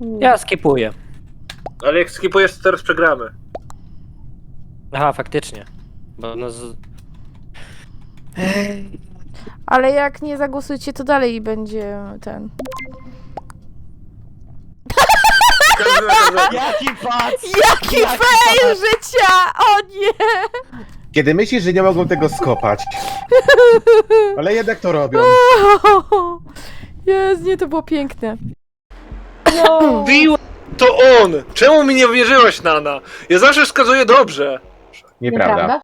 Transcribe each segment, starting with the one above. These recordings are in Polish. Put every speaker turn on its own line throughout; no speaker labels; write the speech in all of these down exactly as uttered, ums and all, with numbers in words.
Ja skipuję.
Ale jak skipujesz, to teraz przegramy.
Aha, faktycznie. Bo no z...
Ale jak nie zagłosujecie, to dalej będzie ten.
Każdy na każdego.
Jaki pac!
Jaki fail życia! O nie!
Kiedy myślisz, że nie mogą tego skopać. Ale jednak to robią.
Jest, nie, to było piękne.
Bił, to on! Czemu mi nie wierzyłaś, Nana? Ja zawsze wskazuję dobrze.
Nieprawda.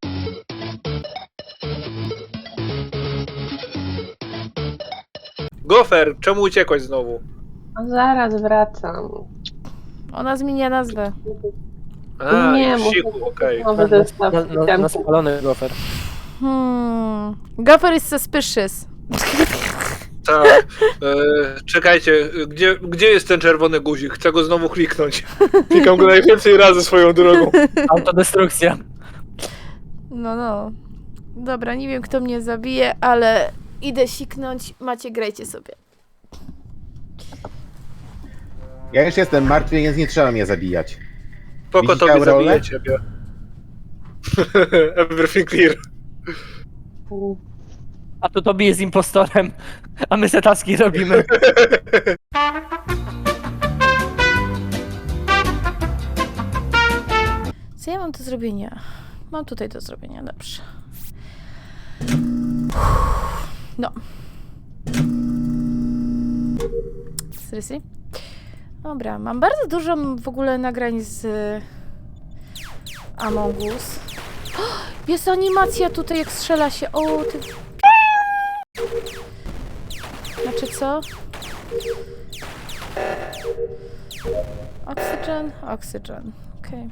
Gofer, czemu uciekłaś znowu?
Zaraz wracam.
Ona zmienia nazwę.
A,
Nie,
w siku,
muszę
okej.
nowy
Na,
zestaw
na, na, na
itemów.
spalony gofer.
Hmm. Gopher is suspicious.
Tak. E, czekajcie, gdzie, gdzie jest ten czerwony guzik? Chcę go znowu kliknąć. Klikam go najwięcej razy swoją drogą.
Autodestrukcja.
No, no. Dobra, nie wiem, kto mnie zabije, ale idę siknąć. Macie, grajcie sobie.
Ja już jestem martwy, więc nie trzeba mnie zabijać.
Poko
Widzicie
tobie
Aurorę?
zabiję ciebie. Everything clear.
A tu Tobi jest impostorem, a my se taski robimy.
Co ja mam do zrobienia? Mam tutaj do zrobienia, dobrze. No. Seriously? Dobra, mam bardzo dużo w ogóle nagrań z Among Us. Jest animacja tutaj, jak strzela się. O, ty... Znaczy co? Oxygen? Oxygen. Okej.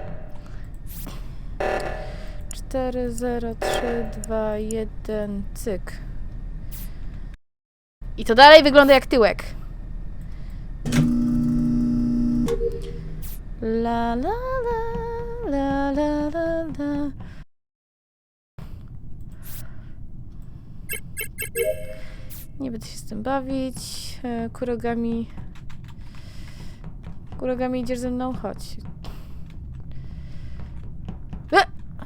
cztery, zero, trzy, dwa, jeden, cyk. I to dalej wygląda jak tyłek. La la la la la la la. Nie będę się z tym bawić. E, Kurogami. Kurogami, idziesz ze mną? Chodź. E!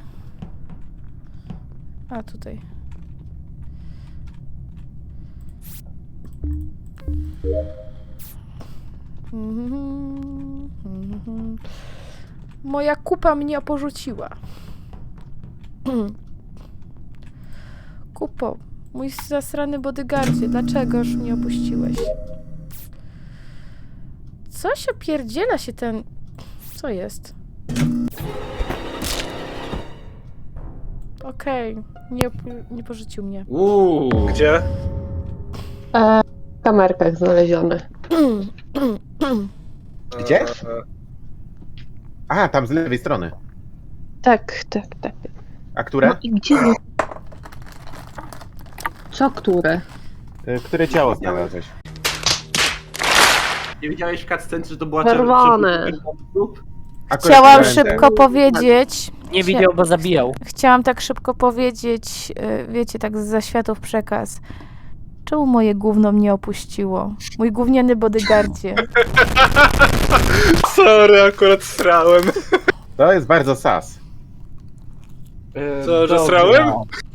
A, tutaj. Mhm, mhm. Moja kupa mnie porzuciła. Kupo, mój zasrany bodyguardzie, dlaczegoż mnie opuściłeś? Coś opierdziela się ten... Co jest? Okej, nie, op- nie porzucił mnie.
Uuu.
Gdzie?
E, w kamerkach znalezione.
Gdzie?
E,
Aha, tam z lewej strony.
Tak, tak, tak.
A które?
No i gdzie? Co które?
Y, Które ciało znalazłeś?
Nie widziałeś w cutscence, że to była
Czerwone.
czerwona?
Akurat
Chciałam
widziałem ten.
szybko powiedzieć...
Nie widział, bo zabijał.
Chciałam tak szybko powiedzieć, y, wiecie, tak z zaświatów przekaz. Czemu moje gówno mnie opuściło? Mój gówniany bodyguardzie.
Sorry, akurat srałem.
To jest bardzo sas.
E,
Co, że
dobra.
srałem?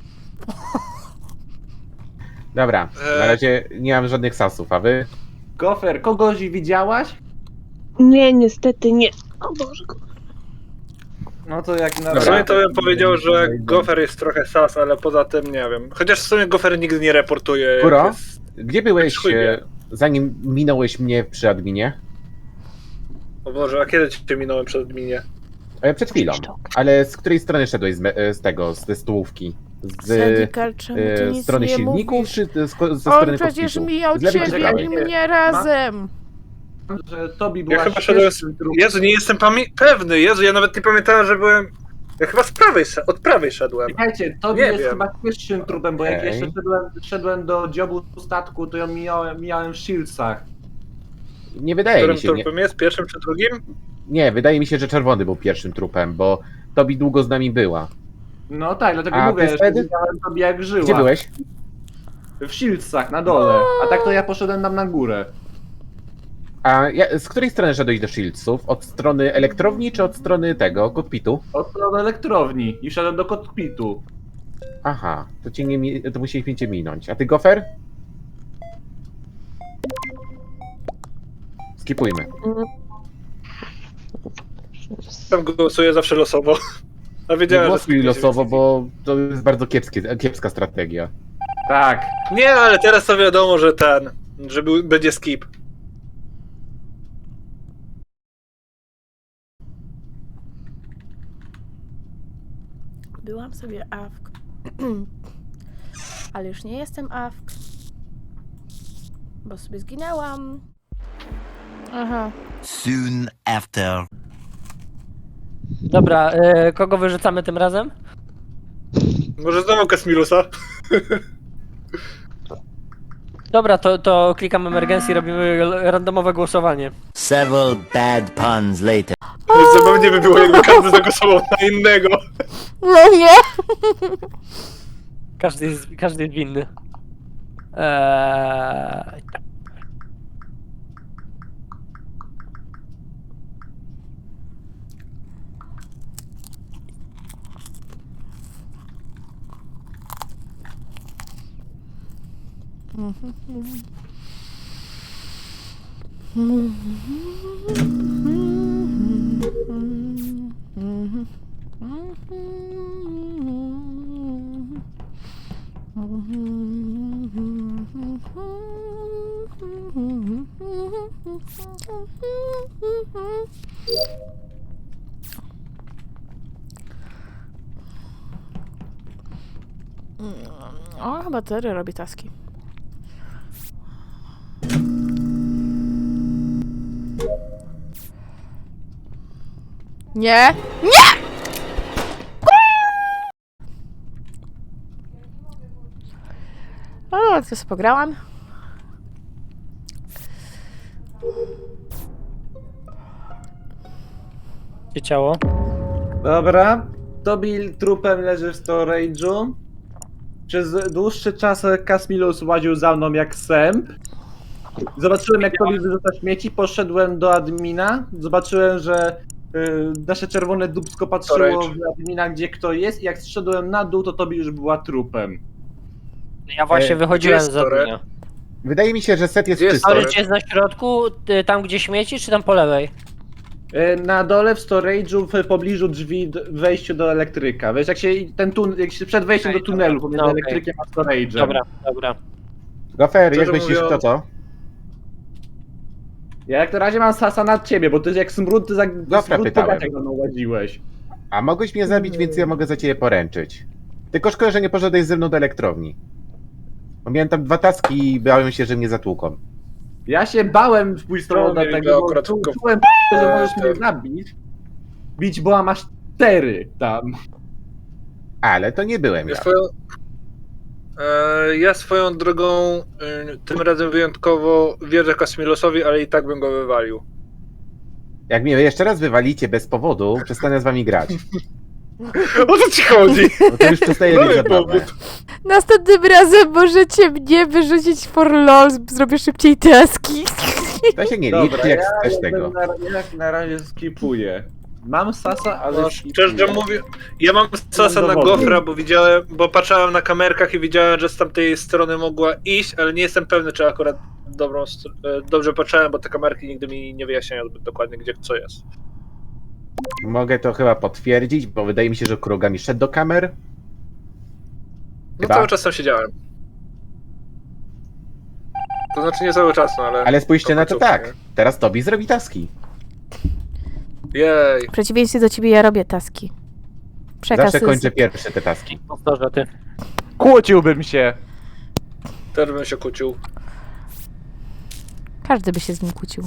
Dobra, na
E.
razie nie mam żadnych sasów, a wy?
Gofer, kogoś widziałaś?
Nie, niestety nie. O Boże.
No to jak na
W
Dobra.
sumie to bym powiedział, że Gofer jest trochę sas, ale poza tym nie wiem. Chociaż w sumie Gofer nigdy nie reportuje. jak
Kuro?
jest-
Gdzie byłeś,
Szybie.
e, zanim minąłeś mnie przy adminie?
O Boże, a kiedy cię minąłem przed adminie?
E, Przed chwilą. Ale z której strony szedłeś z, me- e, z tego, z, ze stołówki? Z
Sedikal, czemu ty
e,
nic
strony
nie
silników,
mówisz?
czy te- z, ko- ze
On
strony
przecież
kokpitu?
mijał
Z lewej czy z
ciebie
prawej?
i mnie razem.
że Tobi
Ja
była
chyba szedłem z...
pierwszym trupem.
Jezu, nie jestem pamię- pewny. Jezu, ja nawet nie pamiętałem, że byłem... Ja chyba z prawej, sze- od prawej szedłem.
Czekajcie, Tobi
Nie
jest
wiem.
chyba pierwszym trupem, bo jak
Okej.
jeszcze szedłem, szedłem do dziobu statku, to ją mijałem, mijałem w Shieldsach.
Nie wydaje
Którym
mi się. Nie,
trupem jest? Pierwszym czy drugim?
nie, wydaje mi się, że czerwony był pierwszym trupem, bo Tobi długo z nami była.
No tak, dlatego
A
mówię,
ty
że
wtedy?
widziałem Tobi jak żyła.
Gdzie byłeś?
W Shieldsach, na dole. A tak to ja poszedłem tam na górę.
A ja, z której strony szedłeś do Shieldsów? Od strony elektrowni, czy od strony tego, kokpitu?
Od strony elektrowni i szedłem do kokpitu.
Aha, to cię nie mi- to musieliśmy cię minąć. A ty, Gofer? Skipujmy.
Tam głosuję zawsze losowo. A
Nie
wiedziałem,
głosuj
że...
losowo, bo to jest bardzo kiepskie, kiepska strategia.
Tak.
Nie, ale teraz to wiadomo, że ten, że był, będzie skip.
Byłam sobie awk. Ale już nie jestem awk. Bo sobie zginęłam. Aha.
Soon after.
Dobra, e, kogo wyrzucamy tym razem?
Może znowu Kasmilusa?
Dobra, to, to klikam emergency, robimy randomowe głosowanie.
Several bad puns later.
Zabawnie by było, jakby każdy zagłosował na innego.
No nie!
Każdy jest, każdy jest winny. Eee, tak.
O, chyba Terry robi taski. Nie! Nie! O, to sobie pograłam.
Gdzie ciało?
Dobra. Tobil trupem leży w storage'u. Przez dłuższy czas Kasmilus łaził za mną jak sęp. Zobaczyłem, jak Tobil wyrzuca śmieci, poszedłem do admina. Zobaczyłem, że y, nasze czerwone dupsko patrzyło
Storage.
w admina, gdzie kto jest, i jak zszedłem na dół, to Tobil już była trupem.
Ja właśnie
E,
wychodziłem
gdzie
z
jest storage?
zadania.
Wydaje mi się, że set jest
Gdzie jest
czysty.
storage?
Storage jest na środku, y, tam gdzie śmieci, czy tam po lewej?
Y, Na dole w storage'u, w pobliżu drzwi d- w wejściu do elektryka. Wiesz, jak się ten tun jak się przed wejściem
Okej,
do tunelu
dobra.
pomiędzy
No, okej.
elektrykiem a storage'em.
Dobra, dobra.
Gofer, jak
Szczerze
myślisz,
mówiąc-
kto to?
Ja jak na razie mam sasa nad ciebie, bo ty jak smród, ty za
Dobra,
smród po
pytałem.
gaciach mną łaziłeś.
A mogłeś mnie zabić, więc ja mogę za ciebie poręczyć. Tylko szkoda, że nie poszedłeś ze mną do elektrowni. Bo miałem tam dwa taski i bałem się, że mnie zatłuką.
Ja się bałem w pójść stronę
No,
do
mieli
tego,
go
bo
akurat
czu-
tylko-
czułem, że możesz mnie
tak.
zabić. Bić, bo masz cztery tam.
Ale to nie byłem
Ja
ja.
swoją, e, ja swoją drogą e, tym razem wyjątkowo wierzę Kasmilusowi, ale i tak bym go wywalił.
Jak mnie jeszcze raz wywalicie bez powodu, przestanę z wami grać.
O co ci chodzi?
Bo to już przestaje
Dawaj
być zabawne.
powód.
Następnym razem możecie mnie wyrzucić for lol, zrobię szybciej taski.
To się nie
Dobra,
liczy, jak
ja
chcesz tego.
Na, ja na razie skipuję. Mam sasa, ale
No,
skipuję.
szczerze mówię, ja mam sasa na
dowody.
gofra, bo widziałem, bo patrzałem na kamerkach i widziałem, że z tamtej strony mogła iść, ale nie jestem pewny, czy akurat dobrą, str- e, dobrze patrzałem, bo te kamerki nigdy mi nie wyjaśniają zbyt dokładnie, gdzie co jest.
Mogę to chyba potwierdzić, bo wydaje mi się, że Kurogami szedł do kamer.
No
Chyba.
cały czas tam siedziałem. To znaczy nie cały czas, no ale...
Ale spójrzcie na to
końcówkę,
tak. Teraz Tobi zrobi taski.
Jej,
W przeciwieństwie do ciebie ja robię taski. Przekaz
Zawsze
jest-
kończę pierwsze te taski.
Powtórzę, ty.
Kłóciłbym się.
też bym się kłócił.
Każdy by się z nim kłócił.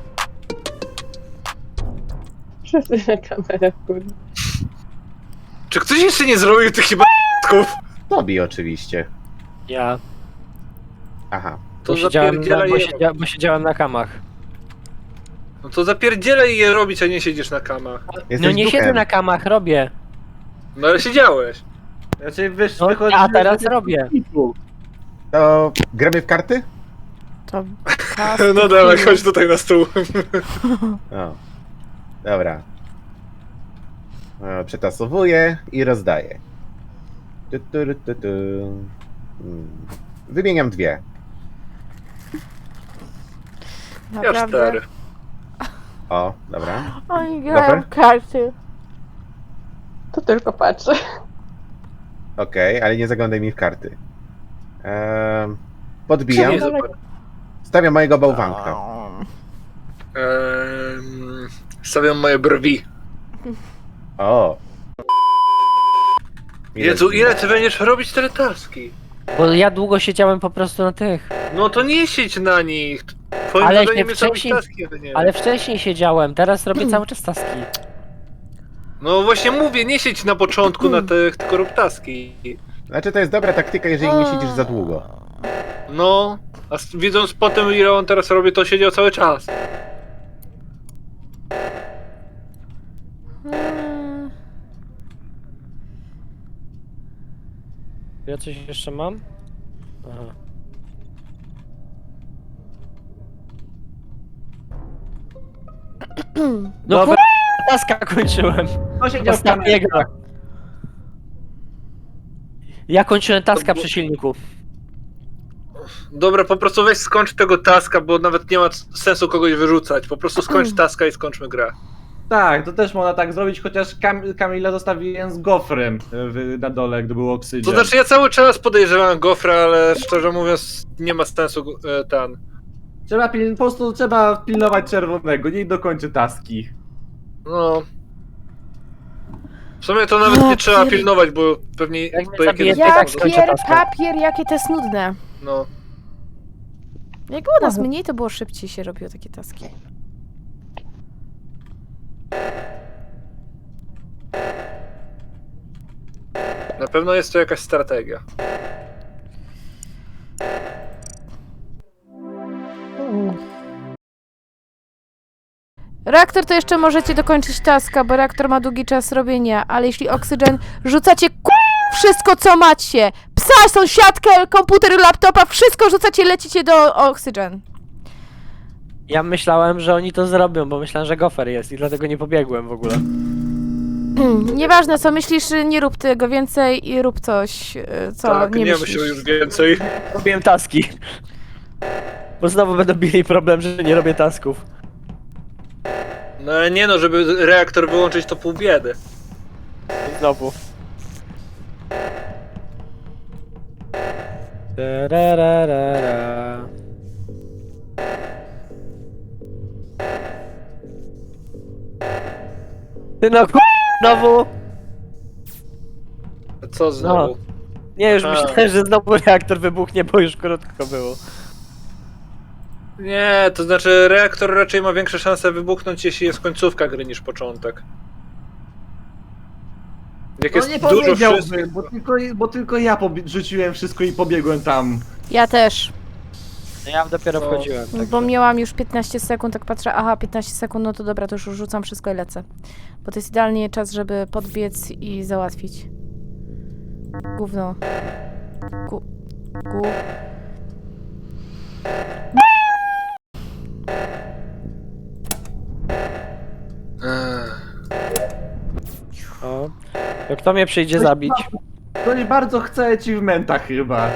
Wszyscy na kamerę, kurde.
Czy ktoś jeszcze nie zrobił tych chyba
Tobi oczywiście.
Ja.
Aha.
To
Bo siedziałem, na,
zapierdzielaj
bo,
je
siedziałem, bo siedziałem na kamach.
No to zapierdzielaj je robić, a nie siedzisz na kamach.
Jesteś
No nie
duchem.
siedzę na kamach, robię.
No ale siedziałeś.
Znaczy, wysz,
No,
wychodzi,
a teraz robię.
To gramy w karty?
To
No dawaj, chodź tutaj na stół.
O. Dobra. E, Przetasowuję i rozdaję. Tu, tu, tu, tu. Hmm. Wymieniam dwie.
Ja
Naprawdę.
cztery.
O, dobra.
Oni grają
Gofer?
w karty.
To tylko patrzę.
Okej, ale nie zaglądaj mi w karty. Ehm, podbijam.
Nie, zobacz.
Stawiam mojego bałwanka.
Ehm, stawiam moje brwi.
O.
Jezu, ile ty będziesz robić tyle taski?
Bo ja długo siedziałem po prostu na tych.
No to nie siedź na nich. Twoim
Ale
zadaniem
się
jest robić
wcześniej-
taski, a nie.
Ale wcześniej siedziałem, teraz robię cały czas taski.
No właśnie mówię, nie siedź na początku na tych, tylko rób taski.
Znaczy to jest dobra taktyka, jeżeli nie siedzisz za długo.
No, a s- widząc potem ile on teraz robi, to siedział cały czas.
Hmm.
Ja coś jeszcze mam? Aha. No
Dobra.
kur... taska kończyłem.
To siedział w
Ostatniego.
kamerach.
Ja kończyłem taska
To było-
przy silniku.
Dobra, po prostu weź skończ tego taska, bo nawet nie ma c- sensu kogoś wyrzucać. Po prostu skończ taska i skończmy grę.
Tak, to też można tak zrobić, chociaż Kam Kamila zostawiłem z gofrem w, na dole, gdy był oksygen.
To znaczy ja cały czas podejrzewałem Gofra, ale szczerze mówiąc nie ma sensu e, ten.
Trzeba pil po prostu trzeba pilnować czerwonego, niech dokończy taski.
No. W sumie to nawet nie trzeba pilnować, bo pewnie
Jak mnie
to
zabije,
jakieś
to i tak
Jak
skończę
pier,
taska.
papier, jakie to jest nudne.
No.
Jak było nas mniej, to było szybciej się robiło takie taski.
Na pewno jest to jakaś strategia.
Reaktor to jeszcze możecie dokończyć taska, bo reaktor ma długi czas robienia, ale jeśli oksygen rzucacie ku... wszystko co macie, psa, sąsiadkę, komputer, laptopa, wszystko rzucacie, lecicie do oksygen.
Ja myślałem, że oni to zrobią, bo myślałem, że gofer jest i dlatego nie pobiegłem w ogóle.
Nieważne co myślisz, nie rób tego więcej i rób coś, y, co
tak,
nie,
nie
myślisz.
myślę już więcej.
Robiłem taski. Bo znowu będą mieli problem, że nie robię tasków.
No ale nie no, żeby reaktor wyłączyć to pół biedy.
Znowu. Tarararara. Ty no ku... znowu!
A co znowu?
Nie, już
A.
myślałem, że znowu reaktor wybuchnie, bo już krótko było.
Nie, to znaczy reaktor raczej ma większe szanse wybuchnąć, jeśli jest końcówka gry niż początek. Jak
No
jest
nie
dużo
powiedziałbym,
wszystkich...
bo tylko, bo tylko ja pobie- rzuciłem wszystko i pobiegłem tam.
Ja też,
No ja dopiero
No.
wchodziłem.
bo
także-
miałam już piętnaście sekund, tak patrzę, aha, piętnaście sekund, no to dobra, to już rzucam wszystko i lecę. Bo to jest idealnie czas, żeby podbiec i załatwić. Gówno. Gu... Gu...
Ech.
O. To kto mnie przyjdzie zabić?
Ktoś bardzo chce achievementa chyba.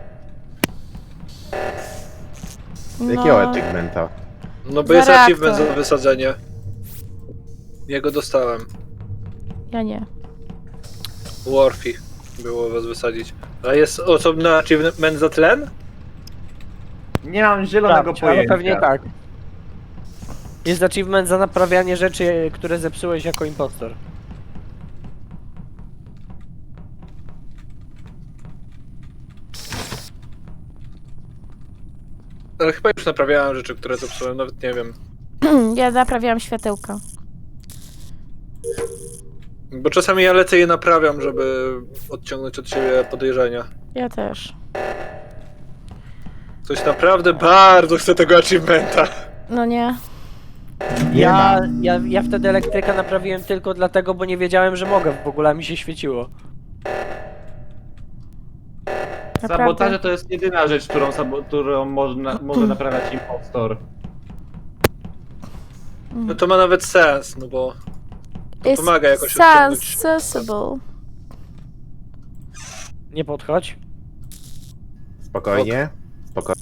Jakiego
No,
achievementa?
No bo
Za
jest
reaktor.
achievement za wysadzenie. Jego dostałem.
ja nie.
Warfy było was wysadzić. A jest osobny achievement za tlen?
Nie mam zielonego
Sprawdź, ale
pojęcia.
pewnie tak. Jest achievement za naprawianie rzeczy, które zepsułeś jako impostor.
Ale chyba już naprawiałem rzeczy, które zepsułem, nawet nie wiem.
Ja naprawiałam światełka.
Bo czasami ja lecę i je naprawiam, żeby odciągnąć od siebie podejrzenia.
Ja też.
Ktoś naprawdę bardzo chce tego achievementa.
No nie.
Nie
Ja,
ma.
ja, ja wtedy elektryka naprawiłem tylko dlatego, bo nie wiedziałem, że mogę. W ogóle mi się świeciło.
Naprawdę.
Sabotaże to jest jedyna rzecz, którą, sabo- którą można, może naprawiać impostor.
No to ma nawet sens, no bo
It's
pomaga jakoś odciągnąć.
sensible.
Nie podchodź.
Spokojnie. Spokojnie.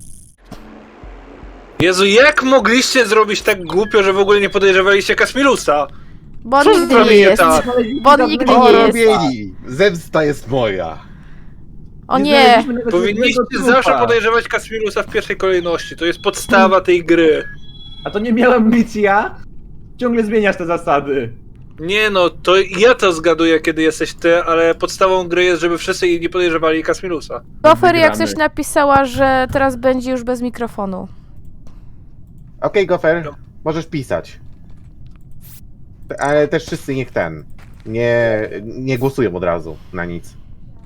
Jezu, jak mogliście zrobić tak głupio, że w ogóle nie podejrzewaliście Kasmilusa?
Bo on
Co
nigdy nie
zrobię
jest.
tak?
Bo on nigdy
O,
nie jest.
robieni! Zemsta jest moja.
O nie.
Powinniście zawsze podejrzewać Kasmilusa w pierwszej kolejności. To jest podstawa tej gry.
A to nie miałem być ja? Ciągle zmieniasz te zasady.
Nie no, to ja to zgaduję, kiedy jesteś ty, ale podstawą gry jest, żeby wszyscy nie podejrzewali Kasmilusa.
Gofer jak
Wygramy.
coś napisała, że teraz będzie już bez mikrofonu.
Okej, Gofer, możesz pisać. Ale też wszyscy niech ten. Nie, nie głosują od razu na nic.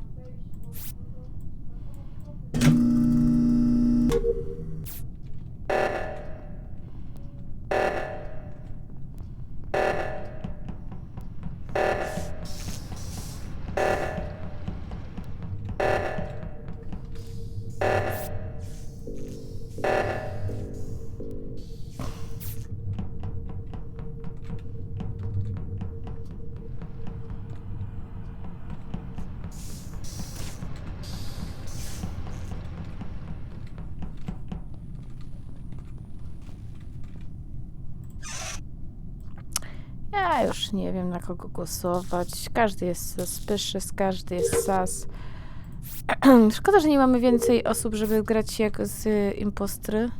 Ja już nie wiem, na kogo głosować. Każdy jest suspicious, każdy jest sas. Szkoda, że nie mamy więcej osób, żeby grać jak z y, impostry.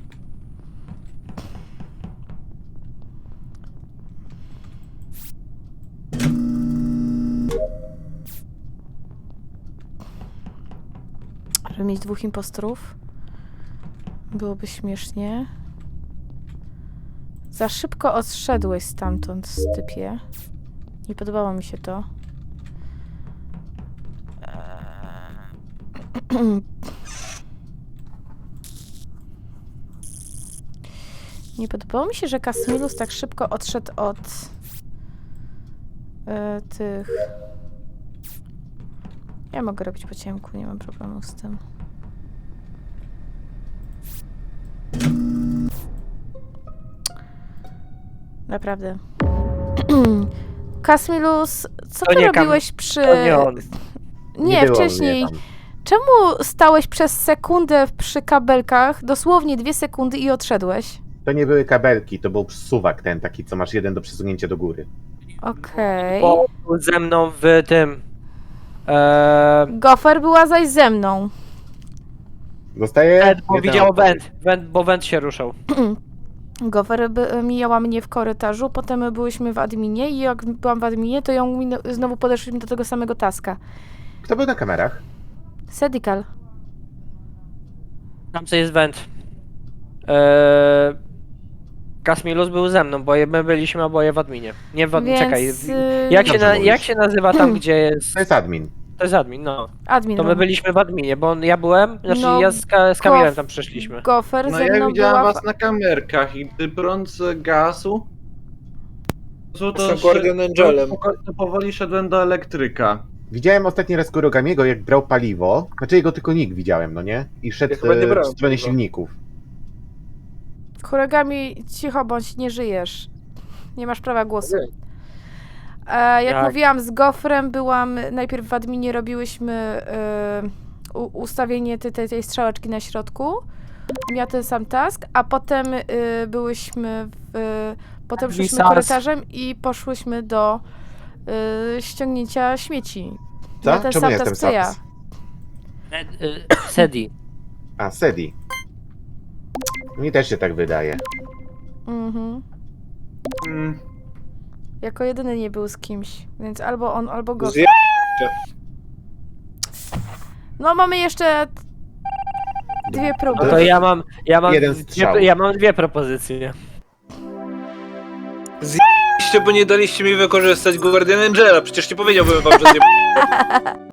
Żeby mieć dwóch impostorów. Byłoby śmiesznie. Za szybko odszedłeś stamtąd, typie. Nie podobało mi się to. Eee. Nie podobało mi się, że Kasmilus tak szybko odszedł od e, tych... Ja mogę robić po ciemku, nie mam problemu z tym. Naprawdę. Kasmilus, co
To
ty
nie Kam-
robiłeś przy...
To nie on.
Nie,
było
wcześniej.
mnie tam.
Czemu stałeś przez sekundę przy kabelkach, dosłownie dwie sekundy i odszedłeś?
To nie były kabelki, to był suwak ten taki, co masz jeden do przesunięcia do góry.
Okej.
Bo był ze mną w tym... Eee,
Gofer była zaś ze mną.
Dostaję?
Went, bo
Jedna
widział
odpowiedź.
went, went, bo went się ruszał.
Gofer by, mijała mnie w korytarzu, potem my byłyśmy w adminie i jak byłam w adminie, to ją minę- znowu podeszliśmy do tego samego taska.
Kto był na kamerach?
Sedical.
Tam co jest went. Eee, Kasmilus był ze mną, bo my byliśmy oboje w adminie. Nie w adminie,
Więc...
czekaj.
y,
Jak się,
Dobrze
na,
mówisz.
jak się nazywa tam, gdzie jest...
To jest admin.
To jest admin, no.
Admin.
To my
no.
byliśmy w adminie, bo on, ja byłem, znaczy
No,
ja z, Ka- z Kamilem
Gof-
tam przeszliśmy.
Gofer
No
ze
ja
mną
widziałem
była...
was na kamerkach i gdy brąz gasu... To, to,
Jestem Guardian Angelem.
to powoli szedłem do elektryka.
Widziałem ostatni raz Kurogamiego, jak brał paliwo. Znaczy jego tylko nick widziałem, no nie? I szedł
Ja chyba nie
e, w
brałem
stronę
paliwa.
silników.
Chorogami, cicho bądź, nie żyjesz. Nie masz prawa głosu.
Okej.
E, jak
Jak?
mówiłam z Gofrem, byłam najpierw w adminie, robiłyśmy e, u, ustawienie tej, tej, tej strzałeczki na środku. Miała ten sam task, a potem e, byłyśmy w, potem szliśmy
Wisas.
korytarzem i poszłyśmy do e, ściągnięcia śmieci.
Co?
Miała ten
Czemu
sam
jestem
task co ja.
Saps?
E, e, Sedi.
A, Sedi. Mi też się tak wydaje.
Mhm.
Mm.
Jako jedyny nie był z kimś, więc albo on, albo Gofer.
Zje...
No mamy jeszcze dwie próby.
No to ja mam, ja mam,
Jeden
dwie,
strzał.
ja mam dwie propozycje.
bo nie daliście mi wykorzystać Guardian Angela. Przecież nie powiedziałbym wam, że nie